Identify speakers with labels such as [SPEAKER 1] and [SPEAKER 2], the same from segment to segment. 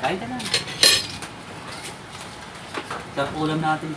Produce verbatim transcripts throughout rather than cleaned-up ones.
[SPEAKER 1] Kain ka na. Sarap ulam natin.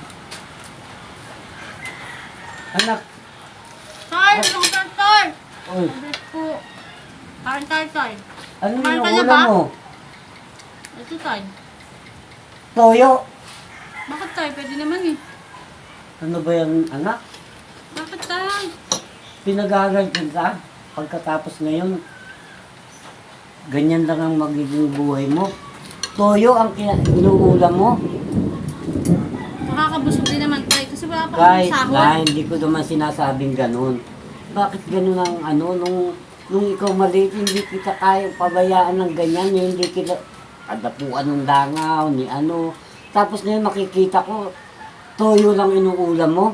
[SPEAKER 1] Anak.
[SPEAKER 2] Tay, ano ka tay?
[SPEAKER 1] Oy,
[SPEAKER 2] Mabilis po. Kain tayo tay.
[SPEAKER 1] ano
[SPEAKER 2] Kumain
[SPEAKER 1] yung
[SPEAKER 2] ka na
[SPEAKER 1] ulam
[SPEAKER 2] ba?
[SPEAKER 1] mo?
[SPEAKER 2] Ito tay.
[SPEAKER 1] Toyo.
[SPEAKER 2] Bakit tay? Pwede naman eh.
[SPEAKER 1] Ano ba yung anak?
[SPEAKER 2] Bakit tay?
[SPEAKER 1] Pinag-aaral ka pagkatapos ngayon. Ganyan lang ang magiging buhay mo. Toyo ang kina- inuulam mo.
[SPEAKER 2] Makakabusog din naman tay. Kasi wala pa akong
[SPEAKER 1] Kahit
[SPEAKER 2] sahod.
[SPEAKER 1] na hindi ko naman sinasabing ganun. Bakit ganun ang ano, nung, nung ikaw maliit, hindi kita kaya pabayaan ng ganyan, hindi kita adapuan ng langaw, ni ano. Tapos ngayon makikita ko, toyo lang inuulam mo.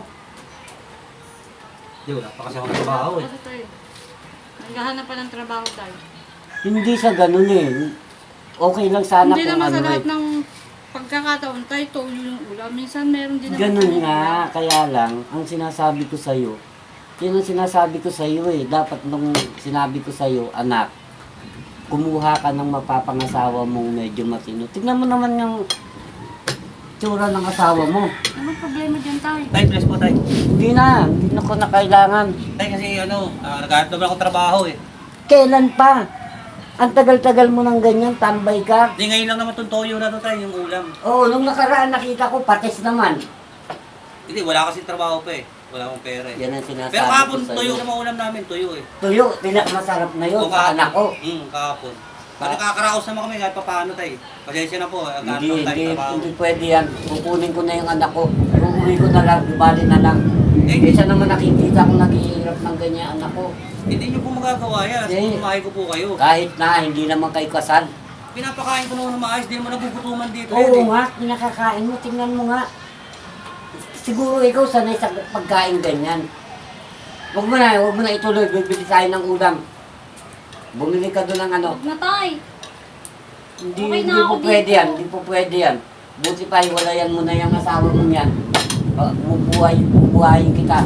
[SPEAKER 3] Di, wala pa kasi ako trabaho eh.
[SPEAKER 2] Kasi tay. Naghahanap pa ng trabaho tay.
[SPEAKER 1] Hindi sa ganun eh. Okay lang sana
[SPEAKER 2] Hindi
[SPEAKER 1] kung
[SPEAKER 2] naman
[SPEAKER 1] ano
[SPEAKER 2] sa lahat
[SPEAKER 1] eh.
[SPEAKER 2] ng pagkakataon tay, toyo yung ulam. Minsan meron din naman
[SPEAKER 1] Ganun
[SPEAKER 2] tayong
[SPEAKER 1] nga,
[SPEAKER 2] ulam.
[SPEAKER 1] kaya lang, ang sinasabi ko sa'yo, yun ang sinasabi ko sa'yo eh. Dapat nung sinabi ko sa'yo, anak, kumuha ka ng mapapangasawa mong medyo matino. Tignan mo naman yung tsura ng asawa mo.
[SPEAKER 2] Anong problema dyan tay?
[SPEAKER 3] Tay, bless po tay.
[SPEAKER 1] Hindi na, hindi na ko na kailangan.
[SPEAKER 3] Tay kasi ano, uh, naghahanap naman ako trabaho eh.
[SPEAKER 1] Kailan pa? Ang tagal-tagal mo ng ganyan, tambay ka.
[SPEAKER 3] Di ngayon lang naman itong toyo na to tay, yung ulam.
[SPEAKER 1] Oo, nung nakaraan nakita ko, patis naman.
[SPEAKER 3] Hindi, wala kasi trabaho pa eh. Wala akong pera eh.
[SPEAKER 1] Yan ang sinasabi
[SPEAKER 3] Pero kahapon,
[SPEAKER 1] ko
[SPEAKER 3] tuyo
[SPEAKER 1] sa'yo.
[SPEAKER 3] naman ulam namin, tuyo eh.
[SPEAKER 1] Tuyo, pinakamasarap na yun
[SPEAKER 3] O,
[SPEAKER 1] sa anak ko.
[SPEAKER 3] Hmm, kahapon.
[SPEAKER 1] Ka-
[SPEAKER 3] Pag nakakaraos naman kami kahit pa paano tay. Pasensya na po, naghahanap
[SPEAKER 1] Hindi,
[SPEAKER 3] ako tayo
[SPEAKER 1] hindi,
[SPEAKER 3] trabaho.
[SPEAKER 1] hindi pwede yan. Kukunin ko na yung anak ko. Uuwi ko na lang, ibali na lang.
[SPEAKER 3] Eh,
[SPEAKER 1] Kaysa naman nakikita ko naghihirap ng ganyan anak ko.
[SPEAKER 3] Hindi nyo po magagawa yan.
[SPEAKER 1] Eh.
[SPEAKER 3] Kasi kumahay ko po kayo.
[SPEAKER 1] Kahit na, hindi naman kayo kasal.
[SPEAKER 3] Pinapakain ko naman ng maayos, di naman nagugutuman dito. yan
[SPEAKER 1] Oo
[SPEAKER 3] eh.
[SPEAKER 1] nga, pinakakain mo, tingnan mo nga. Siguro ikaw sanay sa pagkain ganyan. Huwag mo na, huwag mo na ituloy, bibili tayo ng ulam. Bumili ka doon ng ano.
[SPEAKER 2] Huwag na tay.
[SPEAKER 1] Hindi,
[SPEAKER 2] Okay na
[SPEAKER 1] hindi
[SPEAKER 2] ako
[SPEAKER 1] po pwede
[SPEAKER 2] dito.
[SPEAKER 1] yan, hindi po pwede yan. Buti pa, hiwalayan mo na yung asawa mo yan. Uh, bubuhay, bubuhayin kita.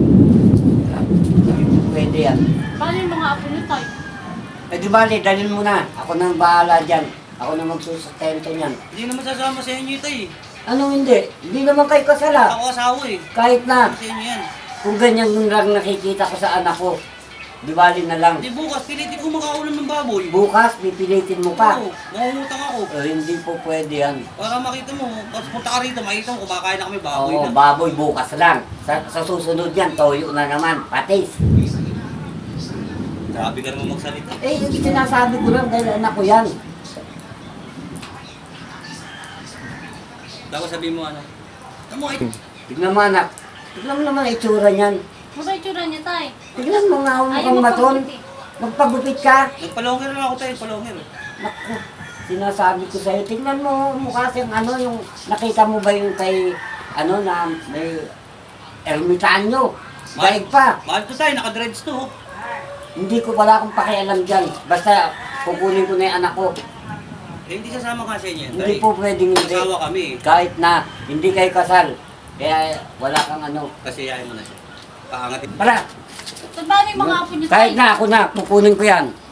[SPEAKER 1] Hindi po pwede yan.
[SPEAKER 2] Paano yung mga apo niyo tay?
[SPEAKER 1] Eh di bali, dalhin mo na. Ako nang bahala dyan. Ako na magsusustento niyan.
[SPEAKER 3] Hindi naman sasama sa inyo ito eh.
[SPEAKER 1] Ano hindi? Hindi naman kayo kasala.
[SPEAKER 3] Ako asawa eh.
[SPEAKER 1] Kahit na,
[SPEAKER 3] Sa inyo yan.
[SPEAKER 1] kung ganyan yung lang nakikita ko sa anak ko, di bali na lang.
[SPEAKER 3] Hindi bukas, pilitin ko makaulam ng baboy.
[SPEAKER 1] Bukas, pipilitin mo pa.
[SPEAKER 3] Oo, mangungutang ako.
[SPEAKER 1] Eh, hindi po pwede yan.
[SPEAKER 3] Para makita mo, pag punta ka rito, makita mo, kumakain na kami baboy
[SPEAKER 1] Oo,
[SPEAKER 3] na.
[SPEAKER 1] baboy bukas lang. Sa, sa susunod yan, toyo na naman. Patis.
[SPEAKER 3] Grabe ka naman magsalita.
[SPEAKER 1] Eh, yung sinasabi ko lang dahil anak ko yan.
[SPEAKER 3] Tapos sabihin mo ano, ano mo, ay,
[SPEAKER 1] Tignan mo anak. Tignan mo naman ang itsura niyan.
[SPEAKER 2] Ano ba yung tsura niya tay?
[SPEAKER 1] Tignan mo nga
[SPEAKER 2] Ayaw
[SPEAKER 1] mukhang maton.
[SPEAKER 2] magpagupit eh.
[SPEAKER 1] Magpagupit ka.
[SPEAKER 3] nagpalonger na ako tayo, palonger.
[SPEAKER 1] Naku, sinasabi ko sa'yo, tignan mo mukha siyang ano, yung nakita mo ba yung kay, ano na, may ermitanyo. Daig pa.
[SPEAKER 3] Mahal ko tayo, naka-dreads to. oh.
[SPEAKER 1] Hindi ko wala akong pakialam dyan. Basta kukunin ko na yung anak ko.
[SPEAKER 3] Eh, hindi sasama ka sa inyo yan.
[SPEAKER 1] Hindi
[SPEAKER 3] tay.
[SPEAKER 1] po pwedeng hindi.
[SPEAKER 3] Asawa kami eh.
[SPEAKER 1] Kahit na hindi kayo kasal. Kaya wala kang ano.
[SPEAKER 3] Kasi yayin mo na siya. Paangatin.
[SPEAKER 1] Para,
[SPEAKER 2] So, paano yung mga apo niyo tay?
[SPEAKER 1] kahit na ako na, kukunin ko yan.